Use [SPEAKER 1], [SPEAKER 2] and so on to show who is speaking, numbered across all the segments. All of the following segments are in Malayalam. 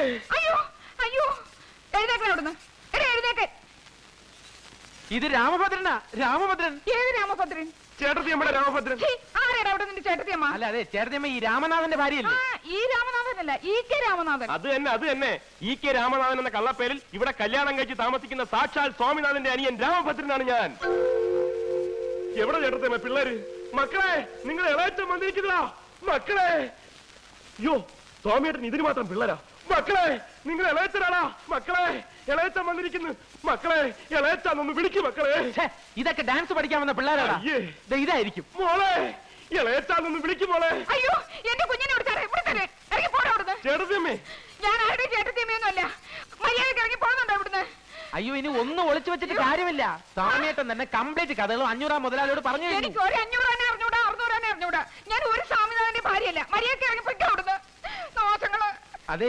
[SPEAKER 1] അയ്യോ അയ്യോ, എഴുന്നേക്കാൻ അവിടുന്ന്, എഴുന്നേക്കാൻ.
[SPEAKER 2] ഇത് രാമഭദ്രനാ. രാമഭദ്രൻ.
[SPEAKER 1] ഏത് രാമഭദ്രൻ?
[SPEAKER 3] ചേട്ടത്തിയമ്മയുടെ രാമഭദ്രൻ.
[SPEAKER 1] ആരാടാ അവിടെ നിന്റെ ചേട്ടത്തിയമ്മ?
[SPEAKER 2] അല്ല, അതെ, ചേട്ടത്തിയമ്മ ഈ രാമനാഥന്റെ ഭാര്യയല്ലേ?
[SPEAKER 1] ഈ രാമനാഥനല്ല, EK രാമനാഥൻ.
[SPEAKER 3] അത് തന്നെ EK രാമനാഥൻ എന്ന കള്ളപ്പേരിൽ ഇവിടെ കല്യാണം കഴിച്ച് താമസിക്കുന്ന സാക്ഷാൽ സ്വാമിനാഥന്റെ അനിയൻ രാമഭദ്രനാണ് ഞാൻ. എവിടെ ചേട്ടത്തിയമ്മ പിള്ളേര്? മക്കളെ, നിങ്ങൾ ഇളയച്ചൻ വന്നിരിക്കുന്നതാ മക്കളെ. അയ്യോ, സ്വാമിയേട്ടൻ ഇതിന് മാത്രം പിള്ളേരാ. മക്കളെ, നിങ്ങൾ ഇളയച്ചനാടാ മക്കളെ. ഇളയച്ചൻ വന്നിരിക്കുന്നു മക്കളെ. ഇളയച്ചാന്നൊന്ന് വിളിക്കും മക്കളെ.
[SPEAKER 2] ഇതൊക്കെ ഡാൻസ് പഠിക്കാൻ വന്ന പിള്ളേരാടാ. ഇതായിരിക്കും.
[SPEAKER 3] മോളെ, ഇളയച്ചാന്നൊന്ന് വിളിക്കും മോളെ.
[SPEAKER 1] അയ്യോ, എന്റെ കുഞ്ഞിനെ ഇറങ്ങി പോടാ അവിടുന്ന്.
[SPEAKER 3] ചേട്ടത്തിയമ്മേ,
[SPEAKER 1] ഞാൻ ആരുടെ ചേട്ടത്തിയമ്മയൊന്നും അല്ല. മര്യാദയ്ക്ക് ഇറങ്ങി പോകുന്നുണ്ടോ ഇവിടുന്ന്?
[SPEAKER 2] അയ്യോ, ഇനി ഒന്നും ഒളിച്ചു വെച്ചിട്ട് കാര്യമില്ല. സ്വാമിയേട്ടൻ തന്നെ കംപ്ലീറ്റ് കഥകളും 500 മുതലാളിയോട് പറഞ്ഞു.
[SPEAKER 1] എനിക്ക് ഒരു 500 അറിഞ്ഞൂടാ, 600 അറിഞ്ഞൂടാ. ഞാൻ ഒരു സ്വാമിനാഥന്റെ ഭാര്യയല്ല. മര്യാദയ്ക്ക് ഇറങ്ങി പൊയ്ക്കോ അവിടുന്ന്. ദോഷങ്ങള്.
[SPEAKER 2] അതെ,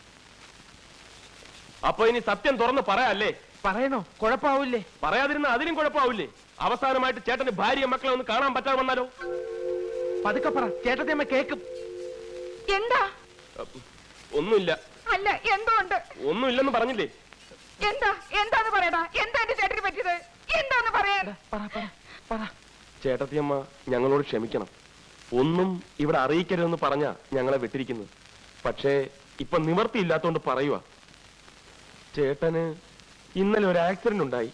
[SPEAKER 3] അപ്പൊ ഇനി സത്യം തുറന്ന് പറയാല്ലേ?
[SPEAKER 2] പറയണോ? കുഴപ്പമാവൂലേ?
[SPEAKER 3] പറയാതിരുന്ന അതിനും കുഴപ്പമാവൂലേ? അവസാനമായിട്ട് ചേട്ടന് ഭാര്യ മക്കളെ ഒന്ന് കാണാൻ പറ്റാതെ വന്നാലോ?
[SPEAKER 2] പതുക്കെ പറ, ചേട്ടത്തിയമ്മ കേക്കും.
[SPEAKER 1] എന്താ?
[SPEAKER 3] ഒന്നുമില്ല.
[SPEAKER 1] അല്ല, എന്തോ ഉണ്ട്.
[SPEAKER 3] ഒന്നുമില്ലെന്ന് പറഞ്ഞില്ലേ?
[SPEAKER 1] എന്താന്ന് പറയടാ. എന്താ എന്റെ ചേട്ടന് പറ്റിയത്? എന്താന്ന് പറയാൻ?
[SPEAKER 3] ചേട്ടത്തിയമ്മ ഞങ്ങളോട് ക്ഷമിക്കണം. ഒന്നും ഇവിടെ അറിയിക്കരുതെന്ന് പറഞ്ഞാ ഞങ്ങളെ വിട്ടിരിക്കുന്നത്. പക്ഷേ ഇപ്പൊ നിവർത്തിയില്ലാത്തോണ്ട് പറയുക. ചേട്ടന് ഇന്നലെ ഒരു ആക്സിഡന്റ് ഉണ്ടായി.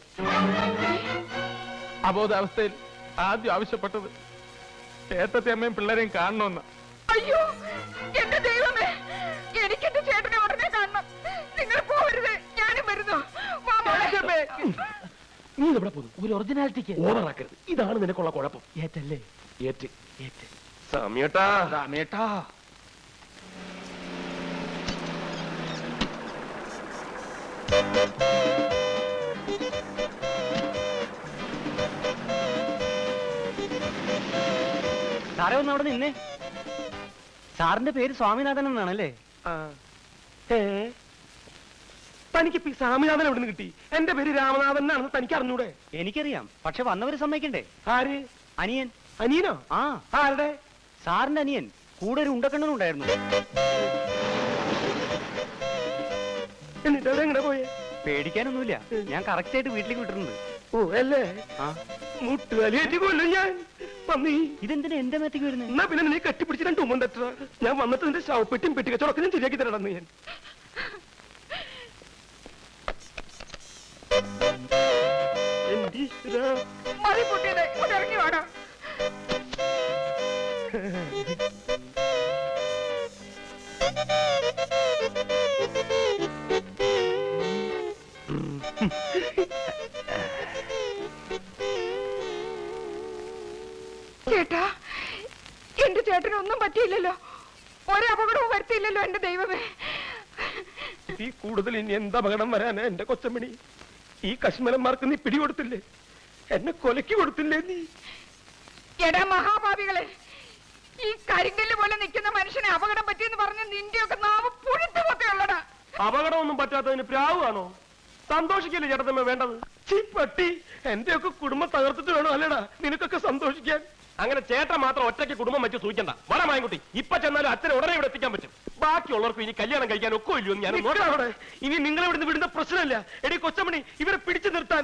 [SPEAKER 2] അബോധാവസ്ഥയിൽ ആദ്യം ആവശ്യപ്പെട്ടത് ചേട്ടത്തിയമ്മയും പിള്ളേരെയും കാണണമെന്ന്.
[SPEAKER 1] അയ്യോ, എന്റെ ദൈവമേ, എനിക്ക് എന്റെ ചേട്ടനെ ഉടനെ കാണണം. നിങ്ങൾ പോകരുത്, ഞാനും വരുന്നു.
[SPEAKER 3] നീ എവിടെ പോകുന്നു?
[SPEAKER 2] ഒരു ഒറിജിനാലിറ്റിക്ക്
[SPEAKER 3] ഓവറാക്കരുത്. ഇതാണ് നിനക്കുള്ള കുഴപ്പം.
[SPEAKER 2] ഏറ്റല്ലേ?
[SPEAKER 3] ഏറ്റ് സമയട്ടാ.
[SPEAKER 2] രാമേട്ടാ,
[SPEAKER 4] സാറേ ഒന്ന് അവിടെ നിന്നേ. സാറിന്റെ പേര് സ്വാമിനാഥൻ എന്നാണല്ലേ?
[SPEAKER 3] തനിക്ക് സ്വാമിനാഥൻ എവിടെ നിന്ന് കിട്ടി? എന്റെ പേര് രാമനാഥൻ എന്നാണെന്ന് തനിക്ക് അറിഞ്ഞൂടെ?
[SPEAKER 4] എനിക്കറിയാം, പക്ഷെ വന്നവര് സമ്മതിക്കണ്ടേ?
[SPEAKER 3] ആര്?
[SPEAKER 4] അനിയൻ.
[SPEAKER 3] അനിയനോ?
[SPEAKER 4] ആ.
[SPEAKER 3] ആരുടെ?
[SPEAKER 4] സാറിന്റെ അനിയൻ. കൂടെ ഒരു ഉണ്ടക്കണ്ണനുണ്ടായിരുന്നു.
[SPEAKER 3] എന്നിട്ട് അതെങ്ങനെ പോയേ?
[SPEAKER 4] പേടിക്കാനൊന്നുമില്ല, ഞാൻ കറക്റ്റ് ആയിട്ട് വീട്ടിലേക്ക് വിട്ടിട്ടുണ്ട്.
[SPEAKER 3] ഓ അല്ലേ?
[SPEAKER 4] ആ.
[SPEAKER 3] മുട്ടുകാലിയേറ്റ് കൊല്ലും ഞാൻ. പന്നി,
[SPEAKER 4] ഇതെന്തിനാ എന്റെ മേത്തേക്ക് വരുന്നത്?
[SPEAKER 3] എന്നാ പിന്നെ നീ കെട്ടിപ്പിടിച്ച് 2 ഉമ്മൻ തട്ട. ഞാൻ വന്നിട്ട് നിന്റെ ശവപ്പെട്ടിയും പെട്ടിക്കച്ചവടൊക്കെ ഞാൻ ശരിയാക്കി തരണമെന്ന് ഞാൻ.
[SPEAKER 1] മതി പൊട്ടിയത്, ഇവിടെ ഇറങ്ങി വേണം. ചേട്ടാ, എന്റെ ചേട്ടനൊന്നും പറ്റിയില്ലല്ലോ. ഒരപകടവും വരുത്തിയില്ലല്ലോ എന്റെ ദൈവമേ.
[SPEAKER 3] ഈ കൂടുതൽ ഇനി എന്ത് അപകടം വരാനാ എന്റെ കൊച്ചമ്മണി? ഈ കശ്മലന്മാർക്ക് നീ പിടികൊടുത്തില്ലേ? എന്നെ കൊലക്കി കൊടുത്തില്ലേ നീ?
[SPEAKER 1] എടാ മഹാഭാവികളെ, ഈ കരിങ്കല്ല് പോലെ നിൽക്കുന്ന മനുഷ്യനെ അപകടം പറ്റിയെന്ന് പറഞ്ഞ് നിന്റെയൊക്കെ നാവ് പുഴുത്തു പൊത്തയുള്ളടാ.
[SPEAKER 3] അപകടമൊന്നും പറ്റാത്തതിന് പ്രാവാണോ? സന്തോഷിക്കല്ലേ ചേട്ടത്തമ്മ വേണ്ടത്? പട്ടി, എന്റെയൊക്കെ കുടുംബം തകർത്തിട്ട് വേണോ അല്ലേടാ നിനക്കൊക്കെ സന്തോഷിക്കാൻ? അങ്ങനെ ചേട്ടൻ മാത്രം ഒറ്റയ്ക്ക് കുടുംബം വെച്ച് സൂചിക്കണ്ട. വട മായൻകുട്ടി, ഇപ്പൊ ചെന്നാലും അച്ഛനെ ഉടനെ ഇവിടെ എത്തിക്കാൻ പറ്റും. ബാക്കിയുള്ളവർക്ക് ഇനി കല്യാണം കഴിക്കാൻ ഒക്കെ ഇല്ലയോ ഞാൻ നോക്കാം. ഇനി നിങ്ങളെ ഇവിടുന്ന് വിടുന്ന പ്രശ്നമല്ല. എടി കൊച്ചമണി, ഇവരെ പിടിച്ചു നിർത്താൻ.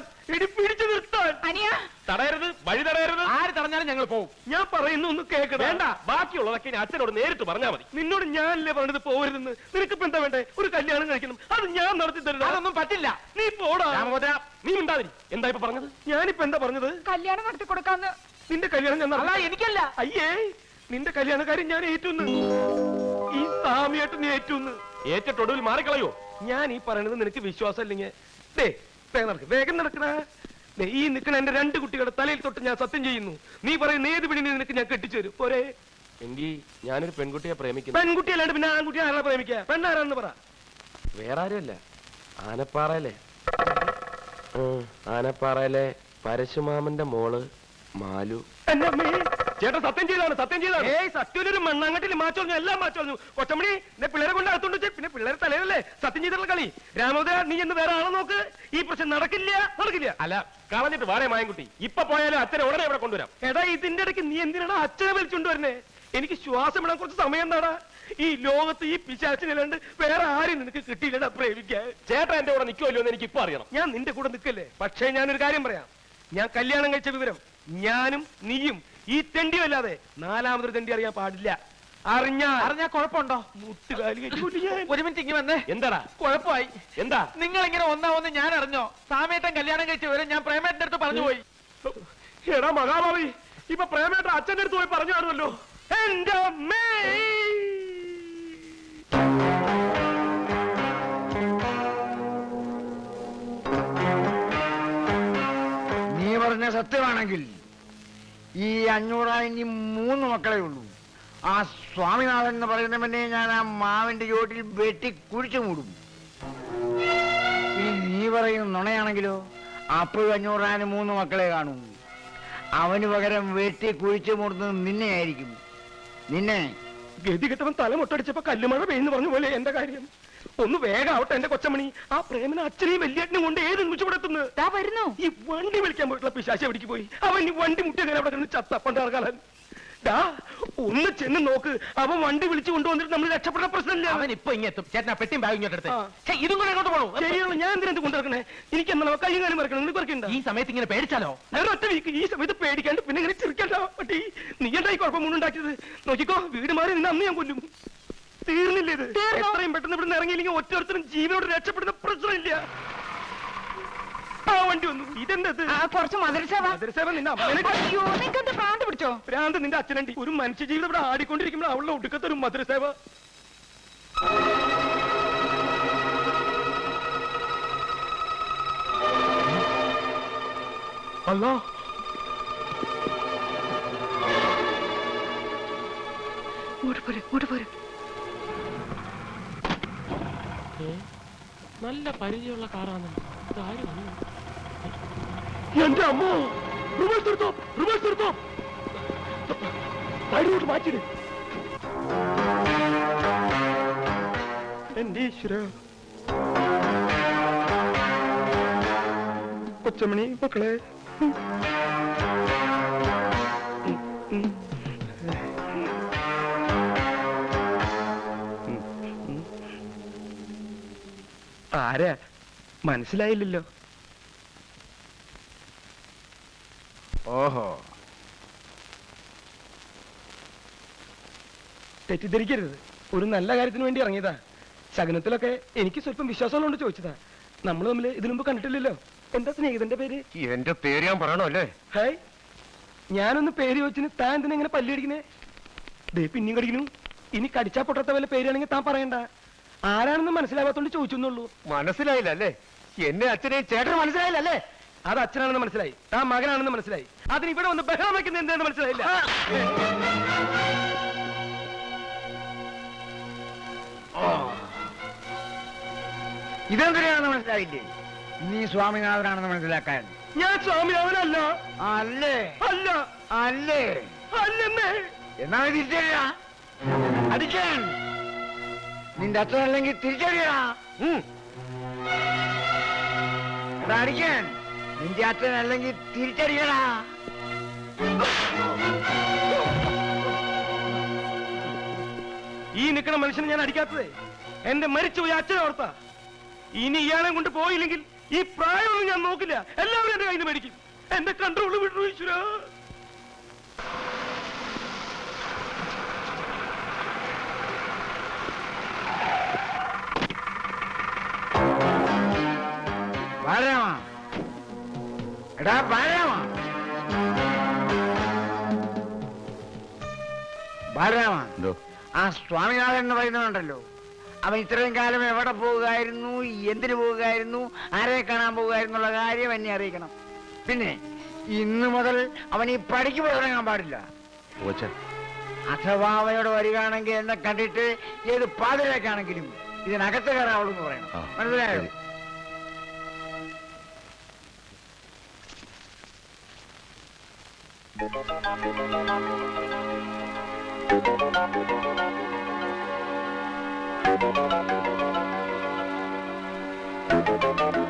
[SPEAKER 3] തടയരുത്, വഴി തടയരുത്.
[SPEAKER 2] ആര് തടഞ്ഞാലും ഞങ്ങൾ പോകും.
[SPEAKER 3] ഞാൻ പറയുന്നു ഒന്ന് കേൾക്കണം. വേണ്ട, ബാക്കിയുള്ളതൊക്കെ ഇനി അച്ഛനോട് നേരിട്ട് പറഞ്ഞാൽ മതി. നിന്നോട് ഞാനല്ലേ പറഞ്ഞത് പോകരുതെന്ന്. നിനക്കിപ്പോ എന്താ വേണ്ടേ? ഒരു കല്യാണം കഴിക്കണം, അത് ഞാൻ നടത്തി തരുന്നു.
[SPEAKER 2] അതൊന്നും പറ്റില്ല.
[SPEAKER 3] നീ പോടാ. നീ ഉണ്ടാതിരി. എന്താ ഇപ്പൊ പറഞ്ഞത്? ഞാനിപ്പോ എന്താ പറഞ്ഞത്?
[SPEAKER 1] കല്യാണം നടത്തി കൊടുക്കാന്ന്.
[SPEAKER 3] നിന്റെ കല്യാണം ഞാൻ
[SPEAKER 2] എനിക്കല്ല.
[SPEAKER 3] അയ്യേ, നിന്റെ കല്യാണക്കാരൻ ഞാൻ ഏറ്റുന്ന്. ഈ സാമിയായിട്ട് നീ ഏറ്റുന്ന്. ഏറ്റൊടുവിൽ മാറിക്കളയോ? ഞാൻ ഈ പറയണത് നിനക്ക് വിശ്വാസം ഇല്ലെങ്കിൽ വേഗം നടക്കണ. ഈ നിൽക്കണ എന്റെ 2 കുട്ടികളുടെ തലയിൽ തൊട്ട് ഞാൻ സത്യം ചെയ്യുന്നു. നീ പറയുന്ന ഏത് പെണ്ണിനെ നിനക്ക് ഞാൻ കെട്ടിച്ചു തരും. പോരെ? എങ്കിൽ ഞാനൊരു പെൺകുട്ടിയെ പ്രേമിക്കുന്നു. പെൺകുട്ടിയല്ലാണ്ട് പിന്നെ ആൺകുട്ടിയെ ആരാ പ്രേമിക്കുക? പെണ്ണാരാന്ന് പറ. വേറെ ആരുമല്ല, ആനപ്പാറയിലെ പരശുമാമന്റെ മോള് മാലു. ചേട്ടൻ സത്യം ചെയ്താണ്, സത്യം ചെയ്താണ്. സത്യൊരു മണ്ണാങ്കട്ടിൽ മാച്ചോളഞ്ഞു, എല്ലാം മാച്ചോളഞ്ഞു. കൊച്ചമണി, എന്നെ പിള്ളേരെ കൊണ്ട് അകത്തോണ്ട് വെച്ച് പിന്നെ പിള്ളേരെ തലയിലല്ലേ സത്യം ചെയ്തിട്ടുള്ള കളി. രാമോദര, നീ എന്ന് വേറെ ആളെ നോക്ക്. ഈ പ്രശ്നം നടക്കില്ല. അല്ല, കളഞ്ഞിട്ട് വാടേ മായൻകുട്ടി. ഇപ്പൊ പോയാലും അച്ഛനെ ഉടനെ ഇവിടെ കൊണ്ടുവരാം. എടാ, ഇതിന്റെ ഇടയ്ക്ക് നീ എന്തിനാണ് അച്ഛനെ വലിച്ചുകൊണ്ടുവരുന്നേ? എനിക്ക് ശ്വാസം ഇടാൻ കുറച്ച് സമയം എന്താടാ? ഈ ലോകത്ത് ഈ പിശാച്ചിനല്ലാണ്ട് വേറെ ആരും നിനക്ക് കിട്ടിയില്ലടാ പ്രേമിക്കാൻ. ചേട്ടാ എന്റെ കൂടെ നിൽക്കുമല്ലോ എന്ന് എനിക്ക് ഇപ്പൊ അറിയണം. ഞാൻ നിന്റെ കൂടെ നിൽക്കല്ലേ. പക്ഷേ ഞാനൊരു കാര്യം പറയാം. ഞാൻ കല്യാണം കഴിച്ച വിവരം ഞാനും നീയും ഈ തെണ്ടിയും അല്ലാതെ നാലാമതൊരു തെണ്ടി അറിയാൻ പാടില്ല.
[SPEAKER 2] അറിഞ്ഞാ കുഴപ്പമുണ്ടോ?
[SPEAKER 3] മുട്ടുകാലി കെട്ടിക്കൂട്ടി ഞാൻ.
[SPEAKER 2] ഒരു മിനിറ്റ് ഇങ്ങ് വന്നേ.
[SPEAKER 3] എന്താടാ
[SPEAKER 2] കുഴപ്പമായി.
[SPEAKER 3] എന്താ?
[SPEAKER 2] നിങ്ങൾ ഇങ്ങനെ ഒന്നാവൊന്ന് ഞാൻ അറിഞ്ഞോ? സാമേട്ടൻ കല്യാണം കഴിച്ച വരെ ഞാൻ പ്രേമേട്ടന്റെ അടുത്ത് പറഞ്ഞു പോയി.
[SPEAKER 3] എടാ മഹാഭാവി, ഇപ്പൊ പ്രേമേട്ട അച്ഛന്റെ അടുത്ത് പോയി പറഞ്ഞു കാണുമല്ലോ. എന്റെ അമ്മേ,
[SPEAKER 5] നീ പറഞ്ഞ സത്യമാണെങ്കിൽ ഈ 500 ഇനി 3 മക്കളെ ഉള്ളൂ. ആ സ്വാമിനാഥൻ എന്ന് പറയുന്നവനെ ഞാൻ ആ മാവിന്റെ ചോട്ടിൽ വെട്ടി കുഴിച്ചു മൂടും. ഇനി നീ പറയുന്ന നുണയാണെങ്കിലോ അപ്പോഴും 500 3 മക്കളെ കാണൂ. അവന് പകരം വെട്ടി കുഴിച്ചു മൂടുന്നത് നിന്നെ ആയിരിക്കും. നിന്നെ
[SPEAKER 3] ഗതി കെട്ടവൻ തല മുട്ടടിച്ചപ്പോ കല്ലുമഴ പെയ്യുന്നു പറഞ്ഞ പോലെ എന്റെ കാര്യം. ഒന്ന് വേഗം ആവട്ടെ എന്റെ കൊച്ചമണി. ആ പ്രേമന അച്ഛനെയും വലിയേട്ടനും കൊണ്ട് ഏത് നിമിഷം ഇവിടെ എത്തുന്നത്?
[SPEAKER 1] വരുന്നു.
[SPEAKER 3] ഈ വണ്ടി വിളിക്കാൻ പോയിട്ടുള്ള പിശാശ എവിടേക്ക് പോയി? അവൻ ഈ വണ്ടി മുട്ടിയ അവിടെ കിടന്ന് ചത്തപ്പണ്ടാർക്കാലൻ. ഒന്ന് ചെന്ന് നോക്ക്. അവൻ വണ്ടി വിളിച്ചു കൊണ്ടുവന്നിട്ട് നമ്മൾ രക്ഷപ്പെട്ട പ്രശ്നമില്ല.
[SPEAKER 2] അവൻ ഇപ്പൊ ഇങ്ങെത്തും. ചേട്ടനാ പെട്ടിയും ബാഗ് ഇങ്ങോട്ട് എടുത്ത്. ഇതും കൂടെ അങ്ങോട്ട് പോകണോ?
[SPEAKER 3] ശരിയാണ്. ഞാൻ എന്തിനു കൊണ്ടിറക്കണേ? എനിക്ക് എന്നാ കൈയും കാലും മറക്കണം. നിങ്ങൾ പറക്കണ്ട.
[SPEAKER 2] ഈ സമയത്ത് ഇങ്ങനെ പേടിച്ചാലോ?
[SPEAKER 3] ഞാൻ ഒറ്റ വീക്ക് ഈ സമയത്ത് പേടിക്കാണ്ട് പിന്നെ ഇങ്ങനെ ചിരിക്കണ്ട പട്ടി. നീ എന്തായി കുഴപ്പമൊന്നുണ്ടാക്കിയത്? നോക്കിക്കോ, വീട് മാറി നിന്ന് അന്ന് ഞാൻ കൊല്ലും. തീർന്നില്ല ഇത്. എത്രയും പെട്ടെന്ന് ഇവിടെ ഇറങ്ങിയില്ലെങ്കിൽ ഒറ്റൊരുത്തരും ജീവനോട് രക്ഷപ്പെടുന്ന പ്രശ്നമില്ല. ആ വണ്ടി വന്നു. ഇതെന്തത്?
[SPEAKER 1] കുറച്ച് മദരസേവ.
[SPEAKER 3] മദരസേവ നിന്നെ
[SPEAKER 1] നിങ്ങക്ക് ഭ്രാന്ത് പിടിച്ചോ?
[SPEAKER 3] ഭ്രാന്ത് നിന്റെ അച്ഛനണ്ടി. ഒരു മനുഷ്യജീവിതം ഇവിടെ ആടിക്കൊണ്ടിരിക്കുമ്പോൾ അവളുടെ ഒടുക്കത്തെ ഒരു മദരസേവ. അല്ലോ,
[SPEAKER 2] നല്ല പരിചയമുള്ള കാറാണ്.
[SPEAKER 3] എന്റെ അമ്മോ, റിവേഴ്സ് എടുത്തോ, റിവേഴ്സ് എടുത്തോ. സൈഡിലോട്ട് മാറ്റിട്. എന്റെ ഈശ്വര. കൊച്ചമണി മക്കളെ, ആരാ മനസ്സിലായില്ലല്ലോ.
[SPEAKER 5] ഓഹോ,
[SPEAKER 3] തെറ്റിദ്ധരിക്കരുത്. ഒരു നല്ല കാര്യത്തിന് വേണ്ടി ഇറങ്ങിയതാ. ശകനത്തിലൊക്കെ എനിക്ക് സ്വല്പം വിശ്വാസമുള്ളതുകൊണ്ട് ചോദിച്ചതാ. നമ്മൾ തമ്മിൽ ഇതിനു മുമ്പ് കണ്ടിട്ടില്ലല്ലോ. എന്താ സ്നേഹിതന്റെ പേര്?
[SPEAKER 5] എന്റെ പേര് ഞാൻ പറയണോ അല്ലേ?
[SPEAKER 3] ഹായ്, ഞാനൊന്ന് പേര് ചോദിച്ചിന് താൻ എന്തിനാ ഇങ്ങനെ പല്ലി അടിക്കുന്നേ? ദേ പിന്നെയും കടിക്കുന്നു. ഇനി കടിച്ചാ പൊട്ടാത്ത വല്ല പേരാണെങ്കിൽ താൻ പറയണ്ട. ആരാണെന്ന് മനസ്സിലാവാത്തോണ്ട് ചോദിച്ചെന്നുള്ളൂ.
[SPEAKER 5] മനസ്സിലായില്ല അല്ലേ? എന്നെ അച്ഛനെ ചേട്ടന് മനസ്സിലായില്ല അല്ലേ?
[SPEAKER 3] അത് അച്ഛനാണെന്ന് മനസ്സിലായി, താൻ മകനാണെന്ന് മനസ്സിലായി. അതിന് ഇവിടെ വന്ന് ബഹളം വയ്ക്കുന്നത് എന്താണെന്ന് മനസ്സിലായില്ല.
[SPEAKER 5] ഇതെന്തിനാണെന്ന് മനസ്സിലായില്ലേ? നീ സ്വാമിനാഥനാണെന്ന് മനസ്സിലാക്കാൻ.
[SPEAKER 3] ഞാൻ സ്വാമിനാഥനല്ല.
[SPEAKER 5] അല്ലേ?
[SPEAKER 3] അല്ല.
[SPEAKER 5] അല്ലേ?
[SPEAKER 3] അല്ലെന്നേ.
[SPEAKER 5] എന്നാ തിരിച്ചറിയാ അടിക്കാൻ. നിന്റെ അച്ഛനല്ലെങ്കിൽ തിരിച്ചറിയാ. എടാ അടിക്കാൻ. നിന്റെ അച്ഛനല്ലെങ്കിൽ തിരിച്ചറിയടാ.
[SPEAKER 3] ഈ നിൽക്കുന്ന മനുഷ്യനെ ഞാൻ അടിക്കാത്തതേ എന്റെ മരിച്ചുപോയി അച്ഛനെ ഓർത്താ. ഇനി ഇയാളെ കൊണ്ട് പോയില്ലെങ്കിൽ ഈ പ്രായമൊന്നും ഞാൻ നോക്കില്ല. എല്ലാവരും എന്റെ കയ്യിൽ നിന്ന് മേടിക്കും. എന്റെ കൺട്രോള് വിട്ടു ഈശ്വര.
[SPEAKER 5] ബാലരാമ, എടാ ബാലരാമ, ബാലരാമ, ആ സ്വാമിനാഥൻ എന്ന് പറയുന്നതുണ്ടല്ലോ, അവൻ ഇത്രയും കാലം എവിടെ പോകുകയായിരുന്നു, എന്തിനു പോകുകയായിരുന്നു, ആരെ കാണാൻ പോകുകയായിരുന്നുള്ള കാര്യം എന്നെ അറിയിക്കണം. പിന്നെ ഇന്നു മുതൽ അവൻ ഈ പടിക്ക് പോയി തുടങ്ങാൻ പാടില്ല. അഥവാ അവയോട് വരികയാണെങ്കിൽ എന്നെ കണ്ടിട്ട് ഏത് പാതിരേക്കാണെങ്കിലും ഇതിനകത്ത് കയറാവുള്ളൂ എന്ന് പറയണം. മനസ്സിലായോ?
[SPEAKER 6] Thank you.